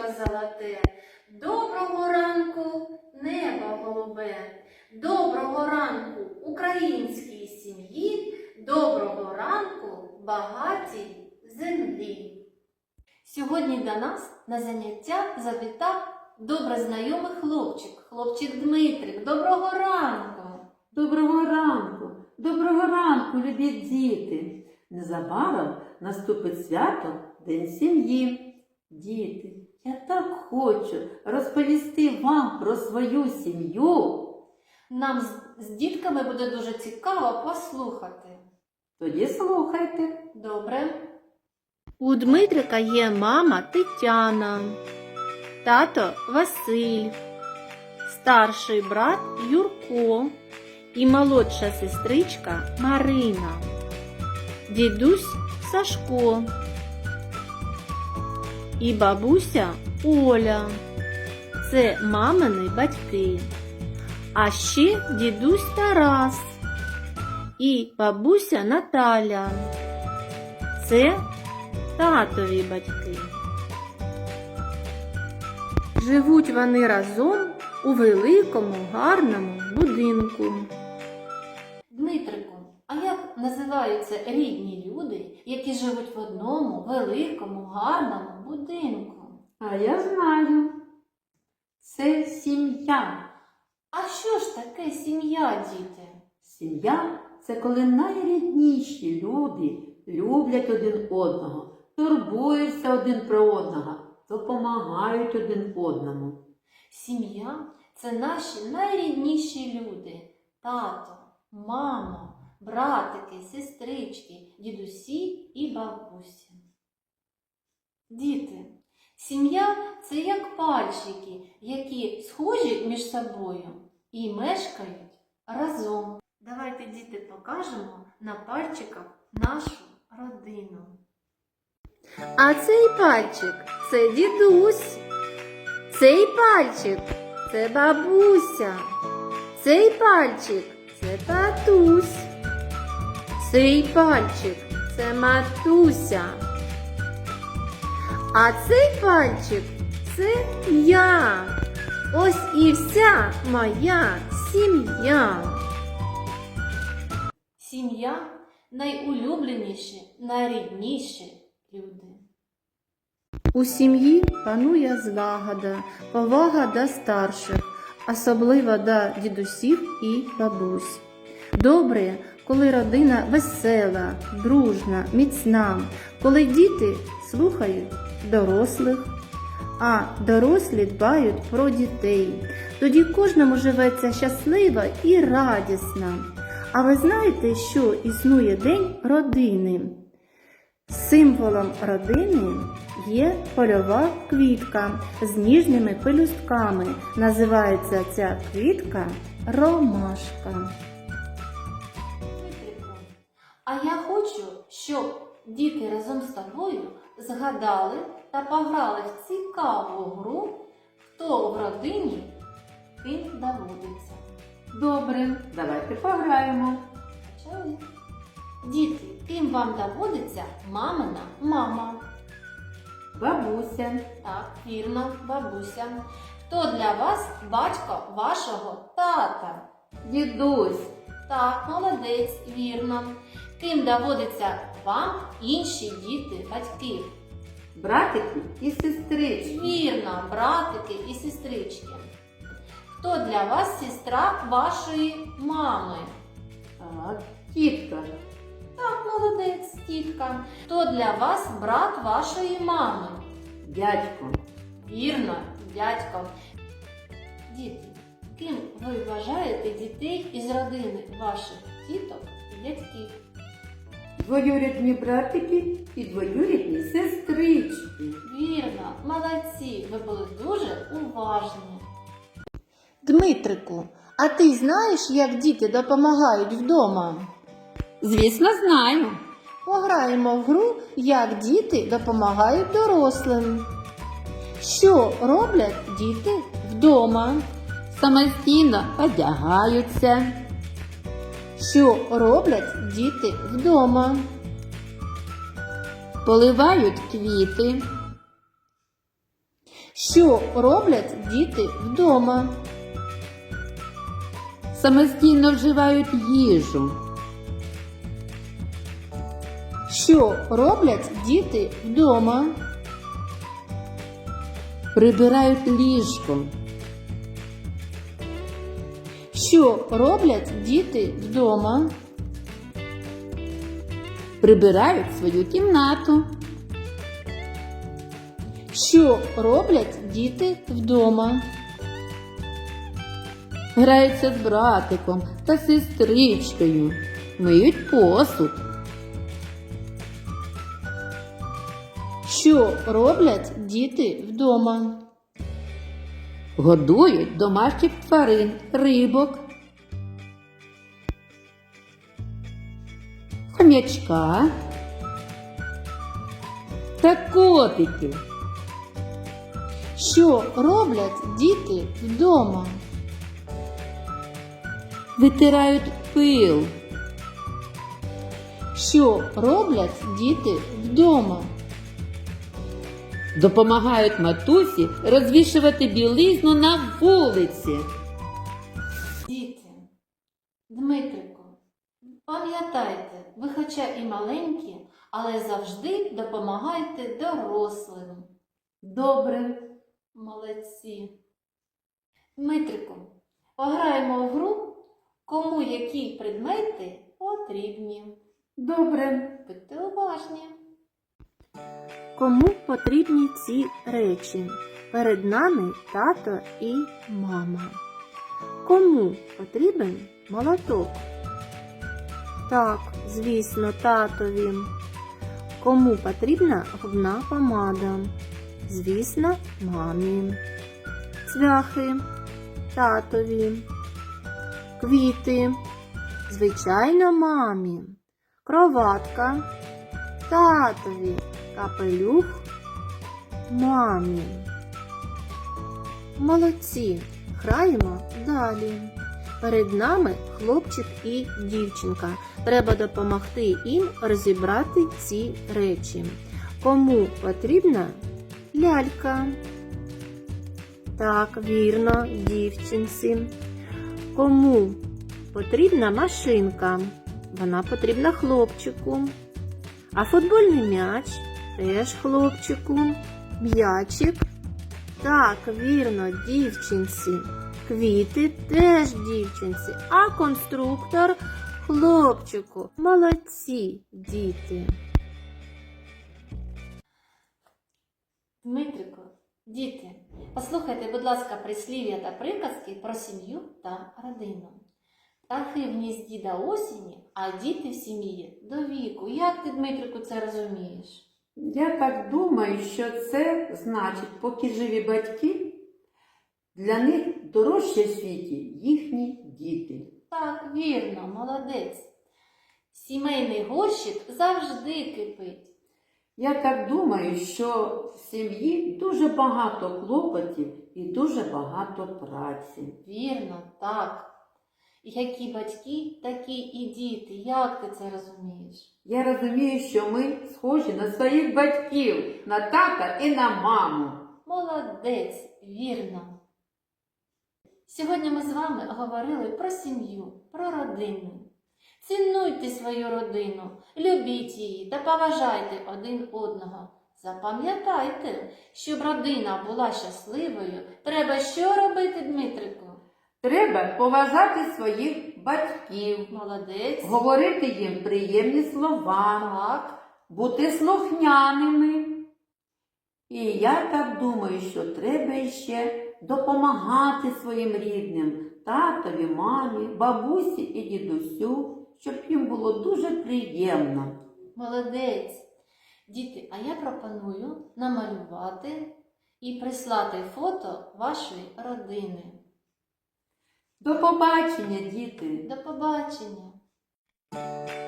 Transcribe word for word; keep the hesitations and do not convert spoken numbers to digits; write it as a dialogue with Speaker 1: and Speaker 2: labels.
Speaker 1: золоте, доброго ранку, небо голубе, доброго ранку українській сім'ї, доброго ранку багатій землі. Сьогодні до нас на заняття завітав добре знайомий хлопчик, хлопчик Дмитрик. Доброго ранку!
Speaker 2: Доброго ранку! Доброго ранку, любі діти! Незабаром наступить свято День сім'ї. Діти, я так хочу розповісти вам про свою сім'ю.
Speaker 1: Нам з, з дітками буде дуже цікаво послухати.
Speaker 2: Тоді слухайте.
Speaker 1: Добре. У Дмитрика є мама Тетяна, тато Василь, старший брат Юрко і молодша сестричка Марина, дідусь Сашко і бабуся Оля. Це мамини батьки. А ще дідусь Тарас і бабуся Наталя. Це татові батьки. Живуть вони разом у великому гарному будинку. Дмитрику, а як називаються рідні люди, які живуть в одному великому гарному будинку?
Speaker 2: А я знаю. Це сім'я.
Speaker 1: А що ж таке сім'я, діти?
Speaker 2: Сім'я – це коли найрідніші люди люблять один одного, турбуються один про одного, допомагають один одному.
Speaker 1: Сім'я – це наші найрідніші люди. Тато, мама, братики, сестрички, дідусі і бабусі. Діти, сім'я – це як пальчики, які схожі між собою і мешкають разом. Давайте, діти, покажемо на пальчиках нашу родину. А цей пальчик – це дідусь. Цей пальчик – це бабуся. Цей пальчик – це татусь. Цей пальчик – це матуся. А цей пальчик – це я. Ось і вся моя сім'я. Сім'я – найулюбленіші, найрідніші люди. У сім'ї панує злагода, повага до старших, особливо до дідусів і бабусь. Добре, коли родина весела, дружна, міцна, коли діти слухають дорослих, а дорослі дбають про дітей. Тоді кожному живеться щасливо і радісно. А ви знаєте, що існує День родини? Символом родини є польова квітка з ніжними пелюстками. Називається ця квітка ромашка. А я хочу, щоб діти разом з тобою згадали та пограли в цікаву гру «Хто в родині, ким доводиться».
Speaker 2: Добре, давайте пограємо.
Speaker 1: Почали? Діти, ким вам доводиться мамина мама?
Speaker 2: Бабуся.
Speaker 1: Так, вірно, бабуся. Хто для вас батько вашого тата?
Speaker 2: Дідусь.
Speaker 1: Так, молодець, вірно. Ким доводиться вам інші діти батьків?
Speaker 2: Братики і сестрички.
Speaker 1: Вірно, братики і сестрички. Хто для вас сестра вашої мами?
Speaker 2: Так, тітка.
Speaker 1: Так, молодець, тітка. Хто для вас брат вашої мами?
Speaker 2: Дядько.
Speaker 1: Вірно, дядько. Діти, ким ви вважаєте дітей із родини ваших тіток і дядьків?
Speaker 2: Двоюрідні братики і двоюрідні сестрички.
Speaker 1: Вірно, молодці, ви були дуже уважні. Дмитрику, а ти знаєш, як діти допомагають вдома?
Speaker 2: Звісно, знаю.
Speaker 1: Пограємо в гру, як діти допомагають дорослим. Що роблять діти вдома?
Speaker 2: Самостійно одягаються.
Speaker 1: Що роблять діти вдома?
Speaker 2: Поливають квіти.
Speaker 1: Що роблять діти вдома?
Speaker 2: Самостійно вживають їжу.
Speaker 1: Що роблять діти вдома?
Speaker 2: Прибирають ліжко.
Speaker 1: Що роблять діти вдома?
Speaker 2: Прибирають свою кімнату.
Speaker 1: Що роблять діти вдома?
Speaker 2: Граються з братиком та сестричкою. Миють посуд.
Speaker 1: Що роблять діти вдома?
Speaker 2: Годують домашніх тварин, рибок, хомячка та котиків.
Speaker 1: Що роблять діти вдома?
Speaker 2: Витирають пил.
Speaker 1: Що роблять діти вдома?
Speaker 2: Допомагають матусі розвішувати білизну на вулиці.
Speaker 1: Діти, Дмитрику, пам'ятайте, ви хоча і маленькі, але завжди допомагайте дорослим.
Speaker 2: Добре.
Speaker 1: Молодці. Дмитрику, пограємо в гру, кому які предмети потрібні.
Speaker 2: Добре.
Speaker 1: Будьте уважні. Кому потрібні ці речі? Перед нами тато і мама. Кому потрібен молоток? Так, звісно, татові. Кому потрібна губна помада? Звісно, мамі. Цвяхи татові. Квіти, звичайно, мамі. Кроватка татові. Капелюх мамі. Молодці. Граємо далі. Перед нами хлопчик і дівчинка. Треба допомогти їм розібрати ці речі. Кому потрібна лялька? Так, вірно, дівчинці. Кому потрібна машинка? Вона потрібна хлопчику. А футбольний м'яч теж хлопчику. М'ячик? Так, вірно, дівчинці. Квіти теж дівчинці. А конструктор хлопчику. Молодці, діти. Дмитрику, діти, послухайте, будь ласка, прислів'я та приказки про сім'ю та родину. Птахи в гнізді до осені, а діти в сім'ї до віку. Як ти, Дмитрику, це розумієш?
Speaker 2: Я так думаю, що це значить, поки живі батьки, для них дорожче в світі їхні діти.
Speaker 1: Так, вірно, молодець. Сімейний горщик завжди кипить.
Speaker 2: Я так думаю, що в сім'ї дуже багато клопотів і дуже багато праці.
Speaker 1: Вірно, так. Які батьки, такі і діти. Як ти це розумієш?
Speaker 2: Я розумію, що ми схожі на своїх батьків, на тата і на маму.
Speaker 1: Молодець, вірно. Сьогодні ми з вами говорили про сім'ю, про родину. Цінуйте свою родину, любіть її та поважайте один одного. Запам'ятайте, щоб родина була щасливою, треба що робити, Дмитрику?
Speaker 2: Треба поважати своїх батьків,
Speaker 1: Молодець.
Speaker 2: говорити їм приємні слова,
Speaker 1: Так.
Speaker 2: бути слухняними. І я так думаю, що треба ще допомагати своїм рідним, татові, мамі, бабусі і дідусю, щоб їм було дуже приємно.
Speaker 1: Молодець. Діти, а я пропоную намалювати і прислати фото вашої родини.
Speaker 2: До побачення, діти!
Speaker 1: До побачення!